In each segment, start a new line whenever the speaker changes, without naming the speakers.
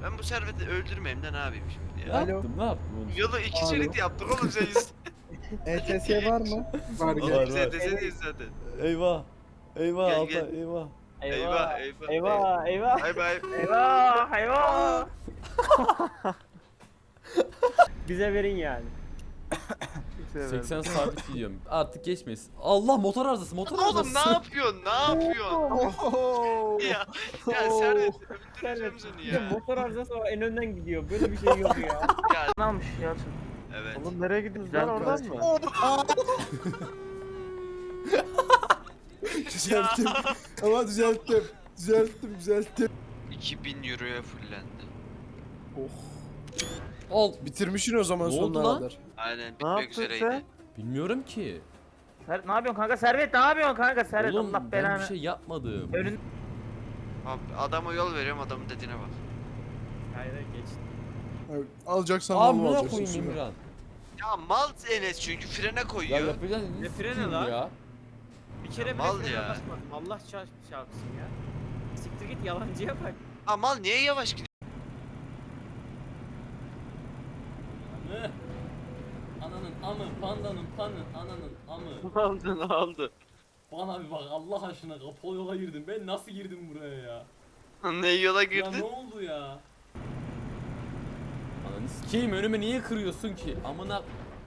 Ben bu serveti öldürmeyeyim de ne yapayım şimdi
Ne
ya?
yaptım? Ne yaptım oğlum?
Yolu iki şerit yaptık oğlum sen yüz.
ETS var mı? Var
Oğlum
gel.
biz ETS değiliz zaten.
Eyvah. Eyvah
Gel,
Altay
gel.
eyvah.
Eyvah, eyvah,
Eyvah eyvah.
Bay bay.
Eyvah eyvah. Bize verin yani.
80 sabit gidiyorum. Artık geçmeyiz. Allah motor arızası motor
Oğlum
arızası.
ne yapıyorsun? Ne yapıyorsun?
Oho.
Ya Servet
Servet.
öldüreceğim seni
Bir de
ya.
motor arızası var en önden gidiyor. Böyle bir şey yok ya.
Ya
Ne almış Yalçın?
evet.
Oğlum nereye gidiyoruz
Güzel
lan oradan mı?
Düzelttim. Ama düzelttim. Düzelttim.
2000 euroya fullendi.
Ol.
Bitirmişsin o zaman
Ne oldu
sonuna
lan?
kadar.
Aynen
Ne
bitmek
yaptın
üzereydi.
sen?
Bilmiyorum ki.
Ne yapıyorsun kanka Servet? Ne yapıyorsun kanka Servet?
Oğlum
Allah
ben
belanı.
bir şey yapmadım.
Önün...
Abi adama yol veriyorum adamın dediğine bak.
Hayır geçti.
Evet, alacaksan
Aa
bunu
buna
alacaksın.
koyayım
şimdi.
İmran.
Ya mal Enes çünkü frene
Ya
koyuyor.
yapacaksın.
Ne freni
s**eyim
lan?
Ya.
Bir kere bile
mal
frene
ya.
basmadım. Allah çarpsın ya. Siktir git yalancıya bak.
Ha mal niye yavaş gidiyor?
Anı. Ananın amı, pandanın panı, ananın amı.
Ne oldu ne oldu?
Bana bir bak Allah aşkına kapalı yola girdim. Ben nasıl girdim buraya ya?
Ne yola
Ya ne
girdin?
oldu ya? Ananı sikeyim önüme niye kırıyorsun ki? Amına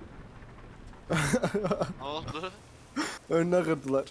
Ne oldu?
Önüne kırdılar.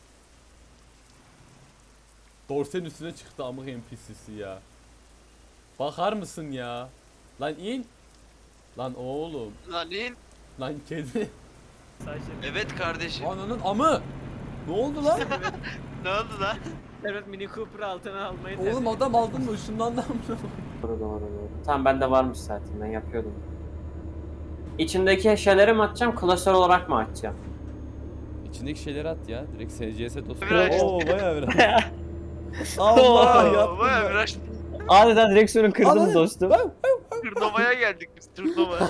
dorsenin üstüne çıktı amık NPC'si ya. Bakar mısın ya? Lan in. Lan oğlum.
Lan in.
Lan kedi.
Evet kardeşim.
Ananın amı. Ne oldu lan?
Ne oldu lan?
Servet Mini Cooper altına almayı
Oğlum adam aldın mı? Işınlandı mı?
Doğru. Tamam bende varmış zaten ben yapıyordum. İçindeki eşyaları mı atacağım, klasör olarak mı atacağım?
İçindeki şeyleri at ya. Direkt SCS dostum.
Biraz.
Oo bayağı biraz. Allah yaptım.
Baya
ben.
biraz
Adeta direksiyonu kırdım
Ananı-
dostum.
turnuvaya geldik biz turnuvaya.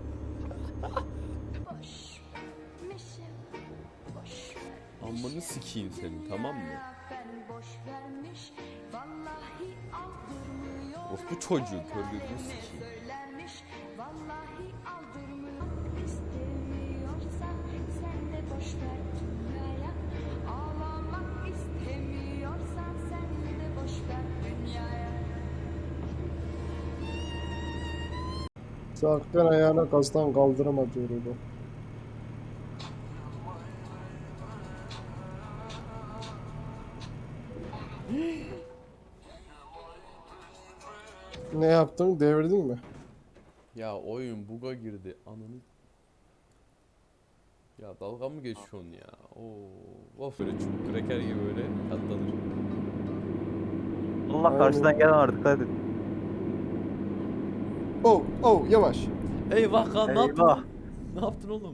Amını sikeyim senin tamam mı? Of bu çocuğu kör gözünü sikeyim.
Sakın ayağına kastan kaldırma diyor bu. Ne yaptın? Devirdin mi?
Ya oyun buga girdi ananı. Ya dalga mı geçiyorsun ya? Oo, of böyle çubuk kreker gibi böyle katlanır.
Allah karşıdan gelen var dikkat edin.
Oh yavaş.
Eyvah kan ne yaptın
Eyvah.
lan? Ne yaptın oğlum?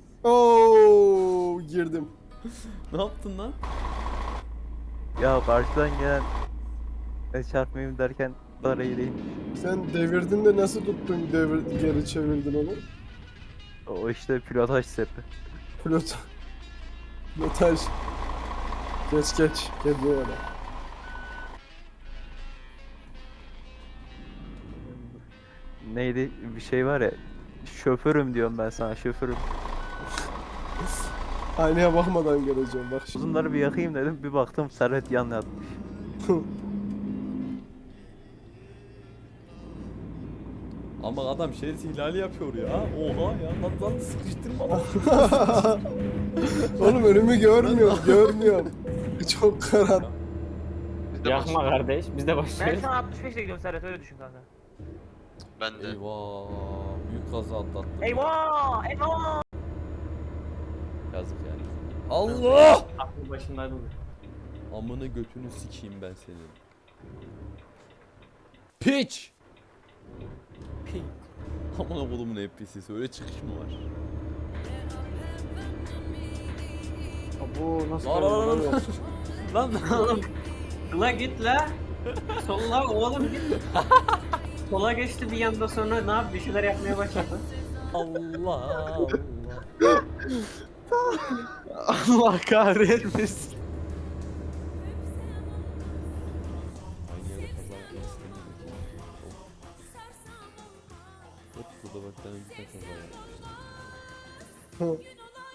Girdim.
Ne yaptın lan?
Ya karşıdan gelen çarpmayayım derken dar eğileyim.
Sen devirdin de nasıl tuttun geri çevirdin onu?
O işte pilotaj sepi.
Pilotaj. Geç. Gel buraya.
Neydi bir şey var ya. Şoförüm diyorum ben sana şoförüm.
Aynaya bakmadan geleceğim bak şimdi.
Uzunları bir yakayım dedim bir baktım Servet yan yatmış.
Ama adam şerit ihlali yapıyor ya. Oha ya lan sıkıştırma lan.
Oğlum önümü görmüyorum. Çok karanlık.
Biz de
Yakma
bas-
kardeş biz de başlıyoruz. Ben şu an 65'le gidiyorum Servet öyle düşün kanka.
Ben de.
Eyvah büyük kaza atlattım.
Eyvah!
Yazık yani. Allah!
Aklım başımdaydı bu.
Amını götünü sikeyim ben senin. Piç! Piç. Amına kolumun NPC'si öyle çıkış mı var?
Bu nasıl
Lan
Oğlum la git la. Solla oğlum git. Sola geçti bir yanda sonra ne yap bir şeyler yapmaya başladı.
Allah.
Allah kahretmesin.
Aynı yere kaza yapmak istemiyorum. Otobaktan önce kaza yapmışlar.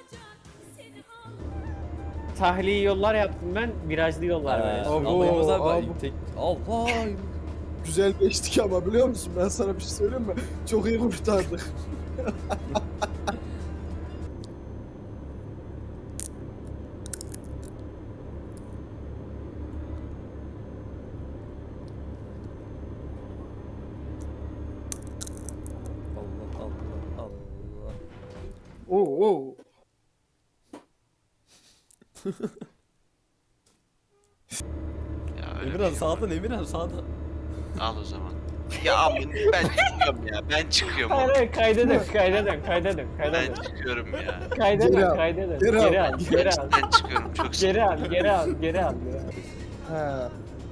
Tahliye yollar yaptım ben, virajlı yollar böyle.
Abo,
Ama Yılmaz abi
abo.
tek... Allah!
Güzel geçtik ama biliyor musun? Ben sana bir şey söyleyeyim mi? Çok iyi kurtardık.
Allah Allah Allah.
Oo, oo.
Ya öyle
Emirhan
bir şey
sağdan, Emirhan sağdan.
var. Al o zaman. Ya aman ben çıkıyorum ya. Ben çıkıyorum.
Hayır
oğlum.
hayır, kayda dön, kayda dön, kayda dön, kayda
Ben
dön.
çıkıyorum ya.
Kayda
Geri
dön,
al,
kayda dön.
geri al.
Geri al, geri al.
Ben çıkıyorum çok sıkıntı.
Geri al, geri al, geri al.
He.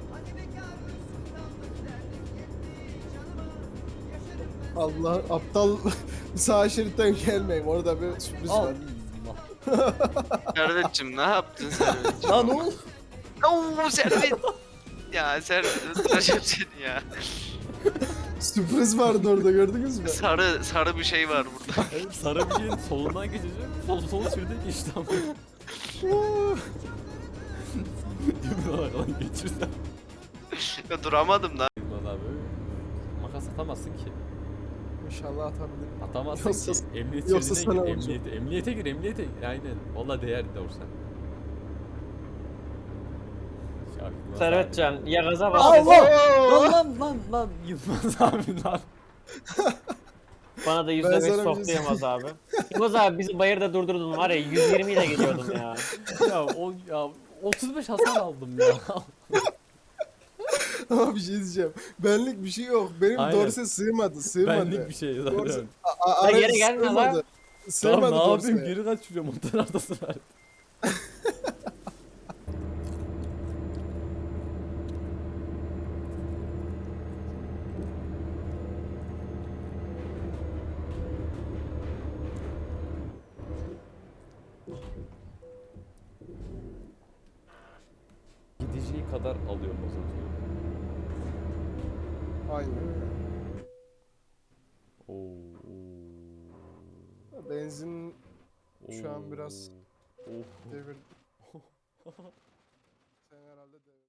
Allah aptal sağ şeritten gelmeyin. Orada bir sürpriz var.
Servet'cim ne yaptın Servet'cim?
Lan oğlum.
Oo Servet. Ya Servet öldüreceğim seni ya.
Sürpriz vardı orada gördünüz mü?
Sarı bir şey var burada.
Evet, sarı bir şeyin solundan geçeceğim. Sol şurada geçti ama. Yemin olarak lan geçirsem.
Ya duramadım lan.
Yılmaz abi. Makas atamazsın ki.
İnşallah atabilirim.
Atamazsın
Yoksa-
ki. Emniyet
yoksa
şeridine
sana
gir.
olacak.
Emniyete gir, emniyete gir. Aynen. Valla değer doğrusu.
Servetcan, ya gaza bas.
Lan Yılmaz abi lan.
Bana da
Ben
%5
sana bir
soktu
şey
Yılmaz abi. Yılmaz abi bizi bayırda durdurdun var ya, 120 ile geliyordum ya.
Ya 35 hasar aldım ya.
Ama bir şey diyeceğim. Benlik bir şey yok. Benim
Aynen.
dorse sığmadı. Sığmadı.
Benlik bir şey zaten.
Dorse-
Ha, geri gelme lan.
sığmadı. Sığmadı
Tamam ne yapayım,
dorseye.
geri kaçırıyorum o taraftasın var. Gideceği kadar alıyor mazotu.
Aynen öyle.
Oo.
Benzin şu an biraz
Oo.
devir. Sen herhalde devir.